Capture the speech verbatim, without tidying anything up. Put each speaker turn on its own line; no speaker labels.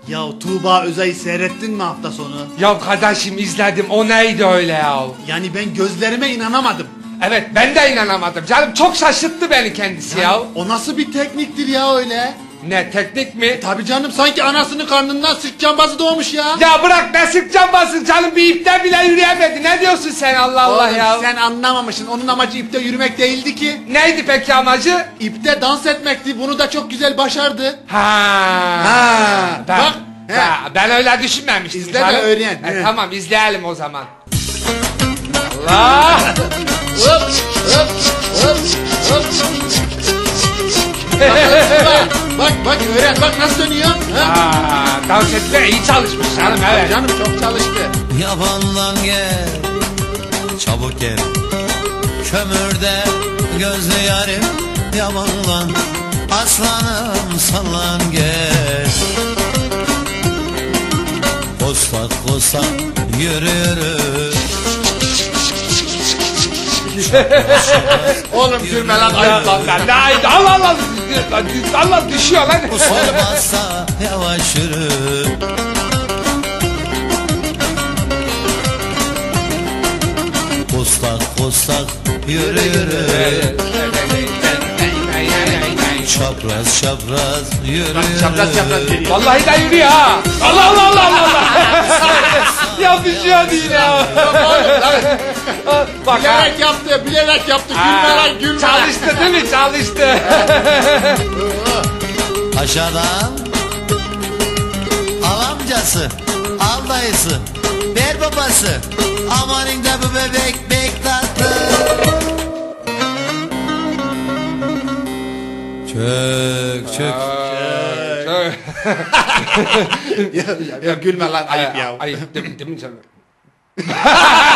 Ya Tuğba Özay'ı seyrettin mi hafta sonu?
Ya kardeşim izledim, o neydi öyle ya?
Yani ben gözlerime inanamadım.
Evet, ben de inanamadım canım, çok şaşırttı beni kendisi
Yani
ya.
o nasıl bir tekniktir ya öyle?
Ne, teknik mi?
Tabii canım, sanki anasının karnından sırt cambazı doğmuş ya.
Ya bırak, ne sık cambazsın canım, bir ipten bile yürüyemedi. Ne diyorsun sen, Allah Allah
Oğlum,
ya?
sen anlamamışsın, onun amacı ipte yürümek değildi ki.
Neydi peki amacı?
İpte dans etmekti, bunu da çok güzel başardı.
Ha.
Ha,
Ben,
bak,
ben,
he.
ben öyle düşünmemiştim.
İzle de
canım.
öğren,
E,
he.
tamam, izleyelim o zaman. Allah!
Hop hop hop hop. Bak bak öğren, bak nasıl dönüyor. Ha?
Aa, dans etme iyi çalışmış canım, evet.
Canım çok çalıştı.
Yabandan gel, çabuk gel. Kömürde gözlü yarim, yabandan. Aslanım sallan gel. Kostak kostak yürü yürü.
Oğlum gülme lan, ayıp lan.
Lan, lan, Allah Allah! Allah düşüyor lan!
Sormazsa yavaş yürü. Kostak kostak yürü yürü. Çapraz çapraz yürü yürü.
Çapraz çapraz geliyor.
Vallahi de yürüyor ha! Allah Allah Allah Allah! Allah! Ya düşüyor değil ya! Bak ha!
Bilerek yaptı, bilerek yaptı. Gülme lan, gülme.
Çalıştı değil mi? Çalıştı!
Aşağıdan al amcası, al dayısı, ver babası. Amanın da bu bebek bek tatlı. Çök çök.
ya, ya gülme lan, ayıp ya.
Ayıp değil mi canım?